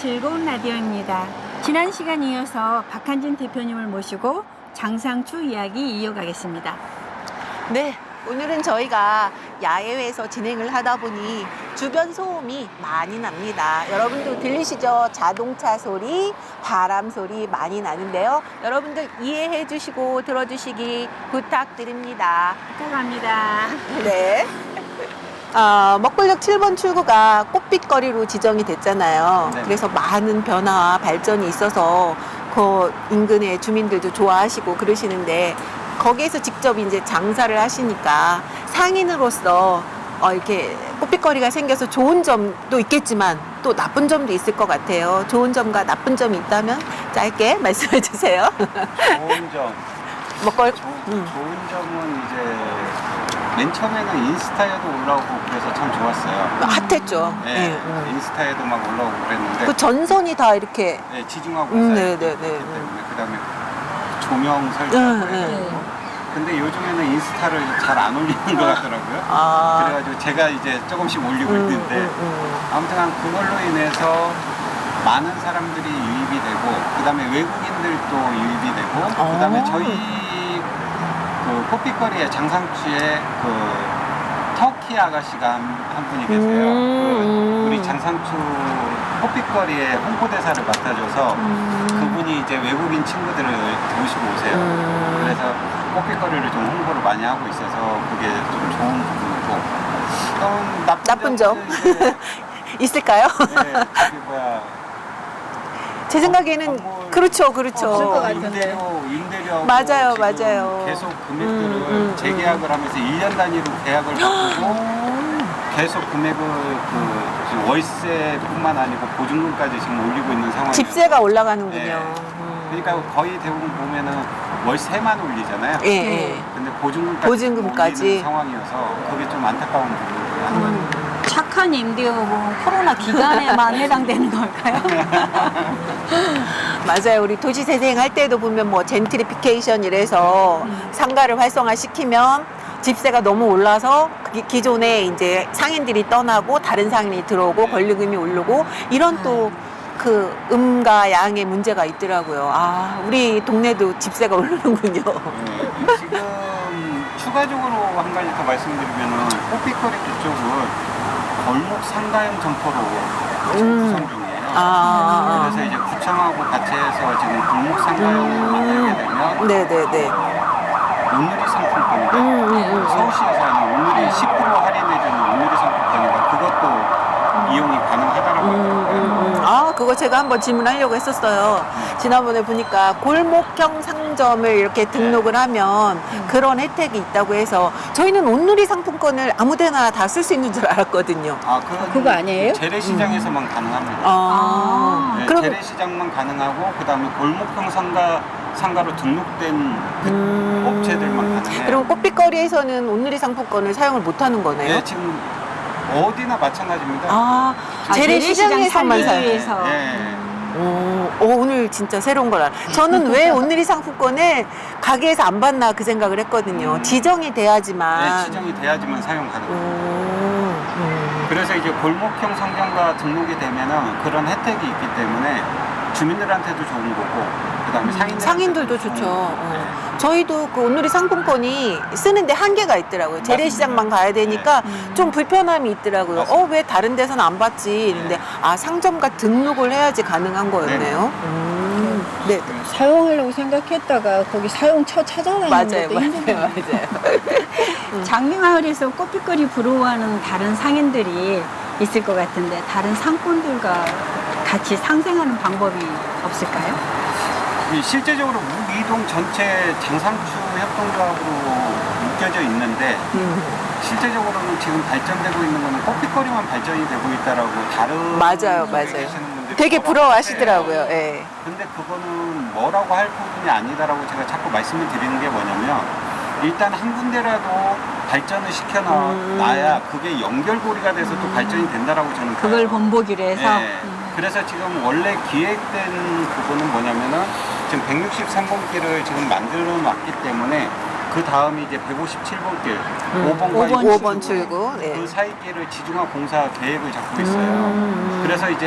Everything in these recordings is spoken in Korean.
즐거운 라디오입니다. 지난 시간 이어서 박한진 대표님을 모시고 장상추 이야기 이어가겠습니다. 네, 오늘은 저희가 야외에서 진행을 하다 보니 주변 소음이 많이 납니다. 여러분들 들리시죠? 자동차 소리, 바람 소리 많이 나는데요. 여러분들 이해해 주시고 들어주시기 부탁드립니다. 부탁합니다. 네. 먹골역 7번 출구가 꽃빛거리로 지정이 됐잖아요. 네. 그래서 많은 변화와 발전이 있어서 그 인근의 주민들도 좋아하시고 그러시는데 거기에서 직접 이제 장사를 하시니까 상인으로서 이렇게 꽃빛거리가 생겨서 좋은 점도 있겠지만 또 나쁜 점도 있을 것 같아요. 좋은 점과 나쁜 점이 있다면 짧게 말씀해 주세요. 좋은 점. 좋은 점은 이제 맨 처음에는 인스타에도 올라오고 그래서 참 좋았어요. 핫했죠. 네, 인스타에도 막 올라오고 그랬는데 그 전선이 다 이렇게 네, 지중하고 네, 네, 네. 그다음에 조명 설정. 네. 근데 요즘에는 인스타를 잘 안 올리는 것 같더라고요. 그래가지고 제가 이제 조금씩 올리고 있는데 아무튼 그걸로 인해서 많은 사람들이 유입이 되고 그다음에 외국인들도 유입이 되고 그다음에 저희 그 꽃빛거리의 장상추에 그 터키 아가씨가 한 분이 계세요. 우리 장상추 꽃빛거리의 홍보대사를 맡아줘서 그분이 이제 외국인 친구들을 모시고 오세요. 그래서 꽃빛거리를 좀 홍보를 많이 하고 있어서 그게 좀 좋은 부분이고 나쁜 점 이제 있을까요? 네, 저기 뭐야 제 생각에는 그렇죠. 없을 것 같은데. 임대료 맞아요, 맞아요. 계속 금액들을 재계약을 하면서 1년 단위로 계약을 바꾸고 계속 금액을 지금 월세뿐만 아니고 보증금까지 지금 올리고 있는 상황이에요. 집세가 올라가는군요. 네. 그러니까 거의 대부분 보면은 월세만 올리잖아요. 예. 근데 보증금까지. 올리는 상황이어서 그게 좀 안타까운 부분이고요. 착한 임대업은 코로나 기간에만 해당되는 걸까요? 맞아요. 우리 도시재생 할 때도 보면 뭐 젠트리피케이션 이래서 상가를 활성화시키면 집세가 너무 올라서 기존에 이제 상인들이 떠나고 다른 상인이 들어오고 권리금이 오르고 이런 또 그 음과 양의 문제가 있더라고요. 우리 동네도 집세가 오르는군요. 네, 지금 추가적으로 한 가지 더 말씀드리면은 꽃빛거리 그쪽은 골목 상가형 점포로 지금 구성 중이에요. 그래서 이제 구청하고 같이 해서 지금 골목 상가형으로 만들게 되면 네네네. 온누리 상품권인데 서울시에서 하는 온누리 10% 할인해주는 온누리 상품권이고 그것도 이용이 가능하다라고 하더라고요. 그거 제가 한번 질문하려고 했었어요. 지난번에 보니까 골목형 상점을 이렇게 등록을 하면 그런 혜택이 있다고 해서 저희는 온누리 상품권을 아무데나 다 쓸 수 있는 줄 알았거든요. 그거 아니에요? 재래시장에서만 가능합니다. 네, 그럼 재래시장만 가능하고 그다음에 골목형 상가로 등록된 업체들만 가능해요. 그럼 꽃빛거리에서는 온누리 상품권을 사용을 못하는 거네요? 네, 지금 어디나 마찬가지입니다. 재래시장에서만 재래시장 살기 위해서. 네. 오늘 진짜 새로운 걸 알아. 저는 왜 온누리 상품권을 가게에서 안 받나 그 생각을 했거든요. 지정이 돼야지만. 네, 지정이 돼야지만 사용 가능합니다. 그래서 이제 골목형 상점과 등록이 되면은 그런 혜택이 있기 때문에 주민들한테도 좋은 거고 그다음에 상인들도 좋죠. 저희도 그 온누리 상품권이 쓰는데 한계가 있더라고요. 재래시장만 가야 되니까 좀 불편함이 있더라고요. 맞습니다. 왜 다른 데서는 안 받지? 근데 상점과 등록을 해야지 가능한 거였네요. 네. 사용하려고 생각했다가 거기 사용처 찾아가는 맞아요, 것도 힘들어요. 맞아요. 장미마을에서 꽃빛거리 부러워하는 다른 상인들이 있을 것 같은데 다른 상권들과 같이 상생하는 방법이 없을까요? 실제적으로 무이동 전체 장상추 협동조합으로 묶여져 있는데 실제적으로는 지금 발전되고 있는 거는 꽃빛거리만 발전이 되고 있다라고 다른 맞아요. 계시는 분들이 되게 부러워하시더라고요. 하세요. 예. 근데 그거는 뭐라고 할 부분이 아니다라고 제가 자꾸 말씀을 드리는 게 뭐냐면 일단 한 군데라도 발전을 시켜놔야 그게 연결고리가 돼서 또 발전이 된다라고 저는 그걸 봐요. 본보기로 해서 네. 그래서 지금 원래 기획된 부분은 뭐냐면은 지금 163번길을 지금 만들어 놨기 때문에 그 다음이 이제 157번 길, 5번과 5번 출구. 네. 그 사이 길을 지중화 공사 계획을 잡고 있어요. 그래서 이제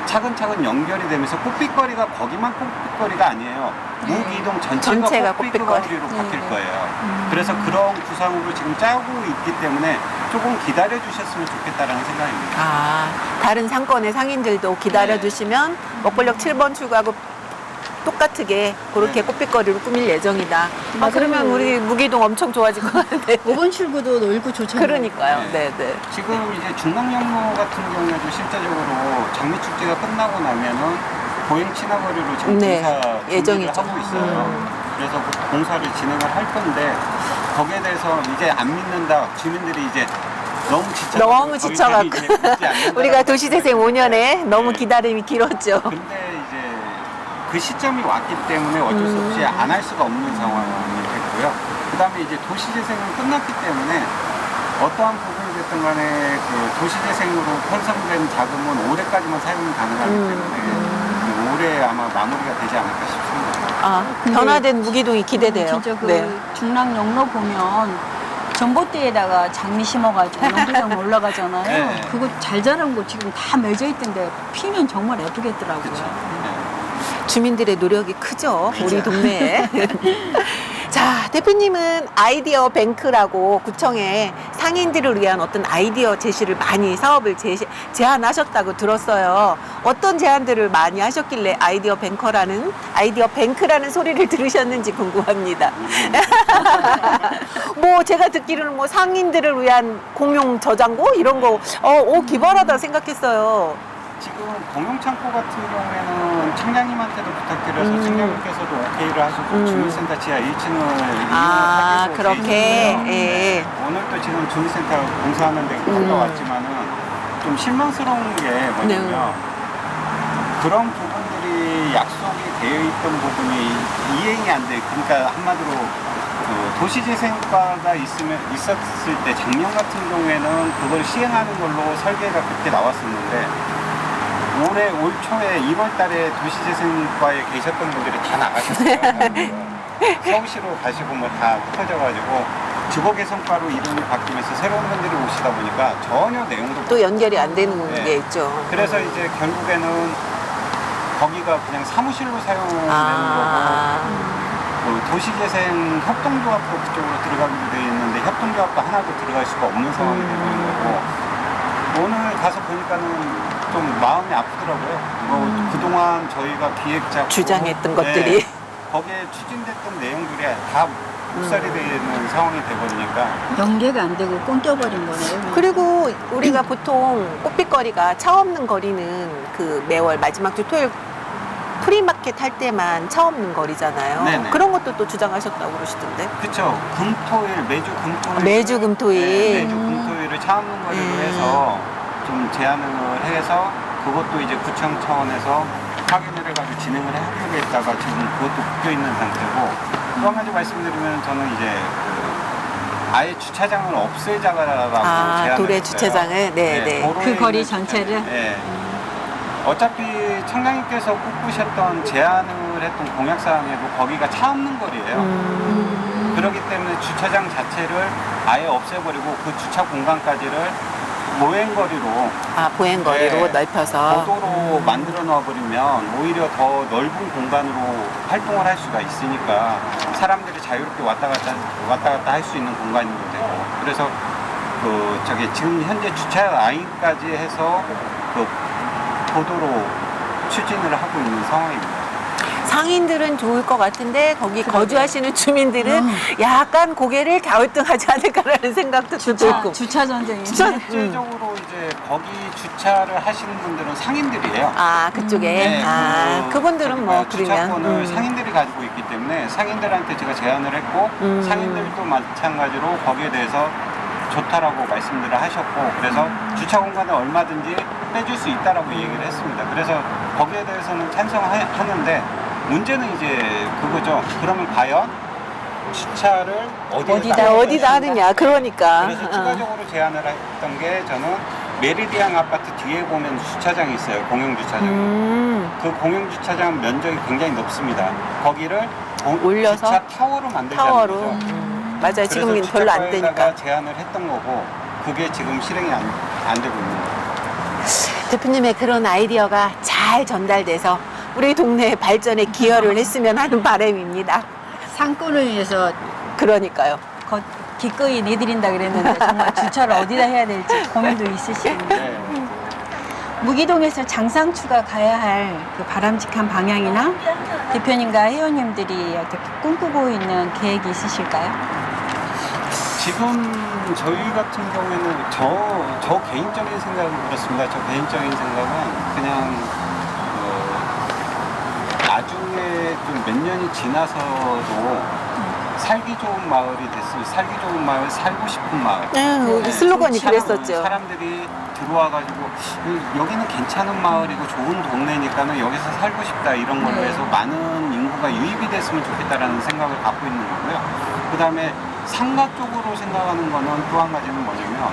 차근차근 연결이 되면서 꽃빛거리가 거기만 꽃빛거리가 아니에요. 무기동 전체가 전체가 꽃빛거리로 바뀔 거예요. 그래서 그런 구상으로 지금 짜고 있기 때문에 조금 기다려 주셨으면 좋겠다라는 생각입니다. 아, 다른 상권의 상인들도 기다려 주시면 먹벌역 7번 출구하고 똑같게 그렇게 네. 꽃빛거리로 꾸밀 예정이다. 아, 맞아요. 그러면 우리 무기동 엄청 좋아질 것 같은데. 5번 출구도 넓고 좋잖아요. 그러니까요. 네. 네. 지금 이제 중랑역로 같은 경우에도 실제적으로 장미축제가 끝나고 나면은 보행 친화거리로 지금 네, 공사 예정이죠. 준비를 하고 있어요. 그래서 그 공사를 진행을 할 건데 거기에 대해서 이제 안 믿는다 주민들이 이제 너무 지쳐갖고 우리가 도시재생 5년에 너무 기다림이 길었죠. 근데 이제 그 시점이 왔기 때문에 어쩔 수 없이 안 할 수가 없는 상황이 됐고요. 그 다음에 이제 도시재생은 끝났기 때문에 어떠한 부분이 됐든 간에 그 도시재생으로 편성된 자금은 올해까지만 사용이 가능하기 때문에 올해 아마 마무리가 되지 않을까 싶습니다. 아, 근데 변화된 무기동이 기대돼요. 진짜 그 네. 중랑 영로 보면 전봇대에다가 장미 심어가지고 연두장 올라가잖아요. 네. 그거 잘 자란 거 지금 다 맺어 있던데 피면 정말 예쁘겠더라고요. 그렇죠. 주민들의 노력이 크죠. 우리 동네에. 자, 대표님은 아이디어 뱅크라고 구청에 상인들을 위한 어떤 아이디어 제시를 많이 사업을 제안하셨다고 들었어요. 어떤 제안들을 많이 하셨길래 아이디어 뱅크라는 소리를 들으셨는지 궁금합니다. 뭐 제가 듣기로는 뭐 상인들을 위한 공용 저장고 이런 거 기발하다 생각했어요. 지금 공용창고 같은 경우에는 청량님한테도 부탁드려서 청량님께서도 오케이를 하시고 주민센터 지하 1층을 아, 이용하기로 그렇게? 돼 있고요. 예. 오늘 또 지금 주민센터 공사하는 데 갔다 왔지만은 좀 실망스러운 게 뭐냐면 그런 부분들이 약속이 되어 있던 부분이 이행이 안 돼. 그러니까 한마디로 그 도시재생과가 있었을 때 작년 같은 경우에는 그걸 시행하는 걸로 설계가 그렇게 나왔었는데 올 초에 2월 달에 도시재생과에 계셨던 분들이 다 나가셨어요. 서울시로 가시고 뭐 다 흩어져가지고 주거개선과로 이름이 바뀌면서 새로운 분들이 오시다 보니까 전혀 내용도 또 연결이 안 되는 네. 게 있죠. 그래서 이제 결국에는 거기가 그냥 사무실로 사용되는 아, 거고 그 도시재생 협동조합도 그쪽으로 들어가기로 되어 있는데 협동조합도 하나도 들어갈 수가 없는 상황이 되고 있는 거고 오늘 가서 보니까는 좀 마음이 아프더라고요. 뭐 그동안 저희가 기획자 주장했던 것들이. 거기에 추진됐던 내용들이 다 묵살이 되는 상황이 되버리니까 연계가 안 되고 끊겨버린 거네요. 그리고 우리가 보통 꽃빛거리가 차 없는 거리는 그 매월 마지막 주 토요일 프리마켓 할 때만 차 없는 거리잖아요. 네네. 그런 것도 또 주장하셨다고 그러시던데. 그쵸. 매주 금토일 매주 금토일. 매주 금토일을 차 없는 거리로 해서 좀 제안을 해서 그것도 이제 구청 차원에서 확인을 해가지고 진행을 해보겠다가 지금 그것도 묶여 있는 상태고 또 한 가지 말씀드리면 저는 이제 아예 주차장을 없애자라고 제안을 도래 했어요. 주차장을? 네. 도로에 그 거리 있는 전체를? 네. 어차피 청장님께서 꿈꾸셨던 제안을 했던 공약사항에도 거기가 차 없는 거리예요. 그렇기 때문에 주차장 자체를 아예 없애버리고 그 주차 공간까지를 보행거리로 보행거리로 네. 넓혀서. 도도로 만들어 놔버리면 오히려 더 넓은 공간으로 활동을 할 수가 있으니까 사람들이 자유롭게 왔다 갔다 할 수 있는 공간도 되고 그래서 지금 현재 주차 라인까지 해서 그 도도로 추진을 하고 있는 상황입니다. 상인들은 좋을 것 같은데 거기 거주하시는 주민들은 약간 고개를 갸우뚱하지 않을까라는 생각도 들고. 주차 전쟁이. 실제적으로 이제 거기 주차를 하시는 분들은 상인들이에요. 그쪽에. 그분들은 뭐 주차권을 상인들이 가지고 있기 때문에 상인들한테 제가 제안을 했고 상인들도 마찬가지로 거기에 대해서 좋다라고 말씀들을 하셨고 그래서 주차 공간을 얼마든지 빼줄 수 있다라고 얘기를 했습니다. 그래서 거기에 대해서는 찬성하는데 문제는 이제 그거죠. 그러면 과연 주차를 어디다 하느냐. 그러니까. 그래서 추가적으로 제안을 했던 게 저는 메리디안 아파트 뒤에 보면 주차장이 있어요. 공용 주차장. 그 공용 주차장 면적이 굉장히 높습니다. 거기를 올려서 주차 타워로 만들자는 타워로. 거죠. 맞아요. 지금 별로 안 되니까. 제안을 했던 거고 그게 지금 실행이 안 되고 있는 거예요. 대표님의 그런 아이디어가 잘 잘 전달돼서 우리 동네 발전에 기여를 했으면 하는 바람입니다. 상권을 위해서 그러니까요. 기꺼이 내드린다 그랬는데 정말 주차를 어디다 해야 될지 고민도 있으시는데 네. 무기동에서 장상추가 가야 할 그 바람직한 방향이나 대표님과 회원님들이 어떻게 꿈꾸고 있는 계획이 있으실까요? 지금 저희 같은 경우에는 저 개인적인 생각은 그렇습니다. 저 개인적인 생각은 그냥 나중에 좀 몇 년이 지나서도 살기 좋은 마을이 됐으면 살기 좋은 마을, 살고 싶은 마을. 우리 슬로건이 그랬었죠. 사람들이 들어와가지고 여기는 괜찮은 마을이고 좋은 동네니까는 여기서 살고 싶다 이런 걸로 네. 해서 많은 인구가 유입이 됐으면 좋겠다라는 생각을 갖고 있는 거고요. 그 다음에 상가 쪽으로 생각하는 거는 또 한 가지는 뭐냐면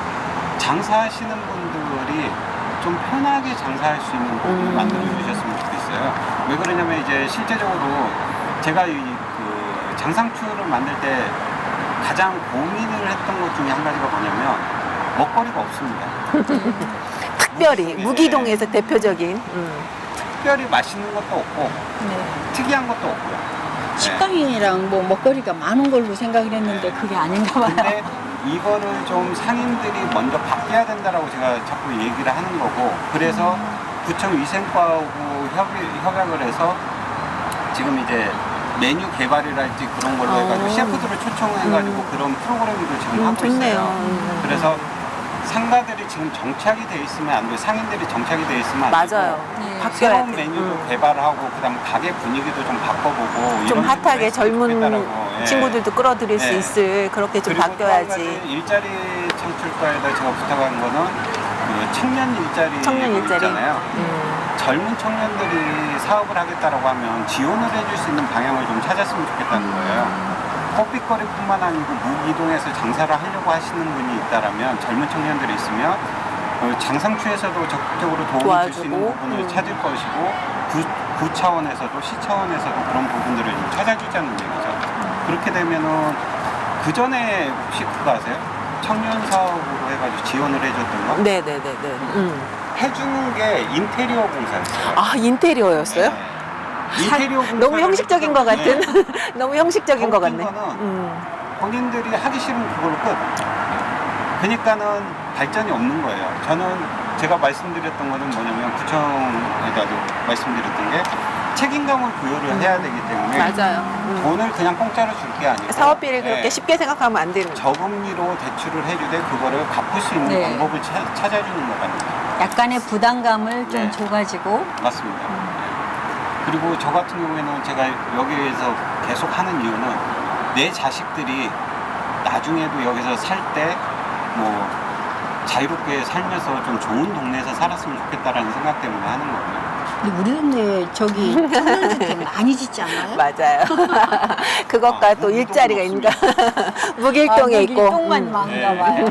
장사하시는 분들이 좀 편하게 장사할 수 있는 부분을 만들어 주셨으면 좋겠어요. 왜 그러냐면 이제 실제적으로 제가 그 장상추를 만들 때 가장 고민을 했던 것 중에 한 가지가 뭐냐면 먹거리가 없습니다. 특별히 무기동에서 대표적인 특별히 맛있는 것도 없고 특이한 것도 없고요. 네. 식당이랑 뭐 먹거리가 많은 걸로 생각을 했는데 그게 아닌가 봐요. 근데 이거를 좀 상인들이 먼저 바뀌어야 된다라고 제가 자꾸 얘기를 하는 거고, 그래서 구청 위생과하고 협약을 해서 지금 이제 메뉴 개발이랄지 그런 걸로 해가지고 셰프들을 초청해가지고 그런 프로그램도 지금 하고 좋네요. 있어요. 그래서 상가들이 지금 정착이 돼 있으면 안 돼요. 상인들이 정착이 돼 있으면 안 되고 맞아요. 네. 바뀌어야 새로운 돼. 메뉴도 개발하고 그다음 가게 분위기도 좀 바꿔보고 좀 이런 핫하게 식으로 했으면 젊은 좋겠다라고. 예. 친구들도 끌어들일 수 예. 있을 그렇게 좀 그리고 또 한 가지 바뀌어야지. 일자리 창출과에다 제가 부탁한 거는 그 청년 일자리 청년 일자리. 있잖아요. 젊은 청년들이 사업을 하겠다라고 하면 지원을 해줄 수 있는 방향을 좀 찾았으면 좋겠다는 거예요. 커피거리뿐만 아니고 무기동에서 장사를 하려고 하시는 분이 있다라면 젊은 청년들이 있으면 장상추에서도 적극적으로 도움을 줄 수 있는 도와주고, 부분을 찾을 것이고 구 차원에서도 시 차원에서도 그런 부분들을 좀 찾아주자는 얘기죠. 그렇게 되면은 그 전에 혹시 그거 아세요? 청년 사업으로 해가지고 지원을 해줬던 거? 네네네네. 해주는 게 인테리어 공사였어요. 아 인테리어였어요? 네. 인테리어 공사 너무 형식적인 것 같은. 너무 형식적인 것 같네. 거는 본인들이 하기 싫은 그걸로 끝. 그러니까는 발전이 없는 거예요. 저는 제가 말씀드렸던 거는 뭐냐면 구청에다도 말씀드렸던 게 책임감을 부여를 해야 되기 때문에 맞아요. 돈을 그냥 공짜로 줄 게 아니고 사업비를 그렇게 네, 쉽게 생각하면 안 되는. 저금리로 대출을 해주되 그거를 갚을 수 있는 네. 방법을 찾아주는 거거든요. 약간의 부담감을 좀 네. 줘가지고 맞습니다. 네. 그리고 저 같은 경우에는 제가 여기에서 계속 하는 이유는 내 자식들이 나중에도 여기서 살 때 뭐 자유롭게 살면서 좀 좋은 동네에서 살았으면 좋겠다라는 생각 때문에 하는 거고요. 근데 우리 동네 저기 청년주택 많이 짓지 않아요? 맞아요. 그것과 또 무기동은 일자리가 있는가. 무길동에 있고. 똥만 많은가 봐요.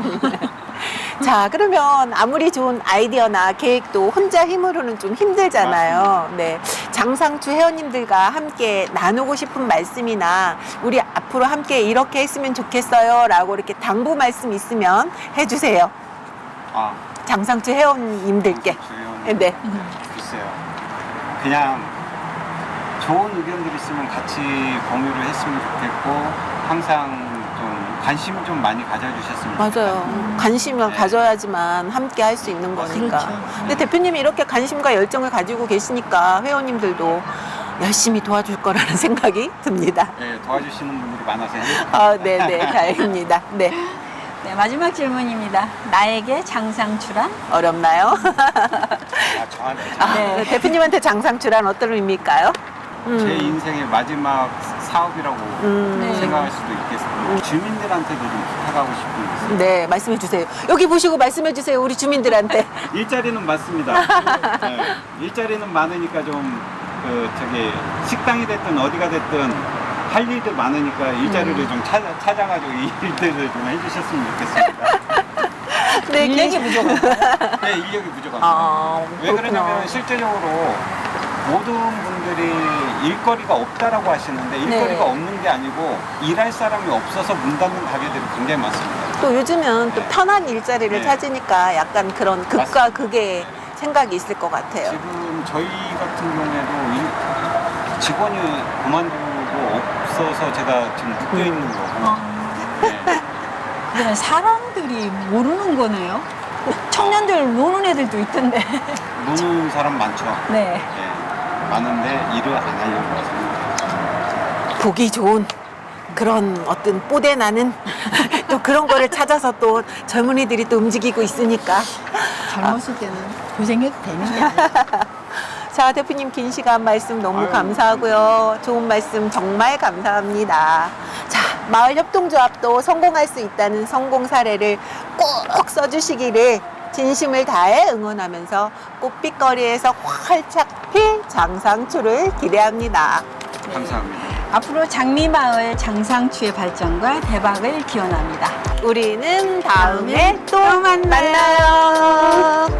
자, 그러면 아무리 좋은 아이디어나 계획도 혼자 힘으로는 좀 힘들잖아요. 네. 장상추 회원님들과 함께 나누고 싶은 말씀이나 우리 앞으로 함께 이렇게 했으면 좋겠어요. 라고 이렇게 당부 말씀 있으면 해주세요. 아, 장상추 회원님들께. 주의원 네. 글쎄요. 그냥 좋은 의견들 있으면 같이 공유를 했으면 좋겠고 항상 좀 관심 좀 많이 가져주셨으면 맞아요. 좋겠다. 관심을 네. 가져야지만 함께 할 수 있는 거니까. 그렇죠. 근데 대표님이 이렇게 관심과 열정을 가지고 계시니까 회원님들도 열심히 도와줄 거라는 생각이 듭니다. 네, 도와주시는 분들이 많아서 행복합니다. 아, 네네. 다행입니다. 네. 네, 마지막 질문입니다. 나에게 장상추란? 어렵나요? 아, 저한테 네. 대표님한테 장상추란 어떤 의미일까요? 제 인생의 마지막 사업이라고 네. 생각할 수도 있겠습니다. 주민들한테도 좀 부탁하고 싶은 게 있어요. 네, 말씀해 주세요. 여기 보시고 말씀해 주세요. 우리 주민들한테. 일자리는 많습니다. 네, 일자리는 많으니까 좀 저기 식당이 됐든 어디가 됐든 할 일도 많으니까 일자리를 좀 찾아가지고 이 일들을 좀 해주셨으면 좋겠습니다. 네, 인력이 부족한가요? 네, 인력이 부족합니다. 아, 왜 그러냐면 실제적으로 모든 분들이 일거리가 없다라고 하시는데 일거리가 네. 없는 게 아니고 일할 사람이 없어서 문 닫는 가게들이 굉장히 많습니다. 또 요즘은 또 네. 편한 일자리를 네. 찾으니까 약간 그런 극과 맞습니다. 극의 생각이 있을 것 같아요. 지금 저희 같은 경우에도 직원이 그만두고 없어서 제가 지금 묶여 있는 거고. 네. 그러면 사람들이 모르는 거네요? 청년들 노는 애들도 있던데. 노는 사람 많죠. 네. 예, 많은데 일을 안 하려고 하세요. 보기 좋은 그런 어떤 뽀대 나는 또 그런 거를 찾아서 또 젊은이들이 또 움직이고 있으니까. 젊었을 때는 고생해도 되는 게 아니야. 자, 대표님 긴 시간 말씀 너무 아유, 감사하고요. 좋은 말씀 정말 감사합니다. 자, 마을협동조합도 성공할 수 있다는 성공 사례를 꼭 써주시기를 진심을 다해 응원하면서 꽃빛거리에서 활짝 필 장상추를 기대합니다. 감사합니다. 앞으로 장미마을 장상추의 발전과 대박을 기원합니다. 우리는 다음에 또 만나요.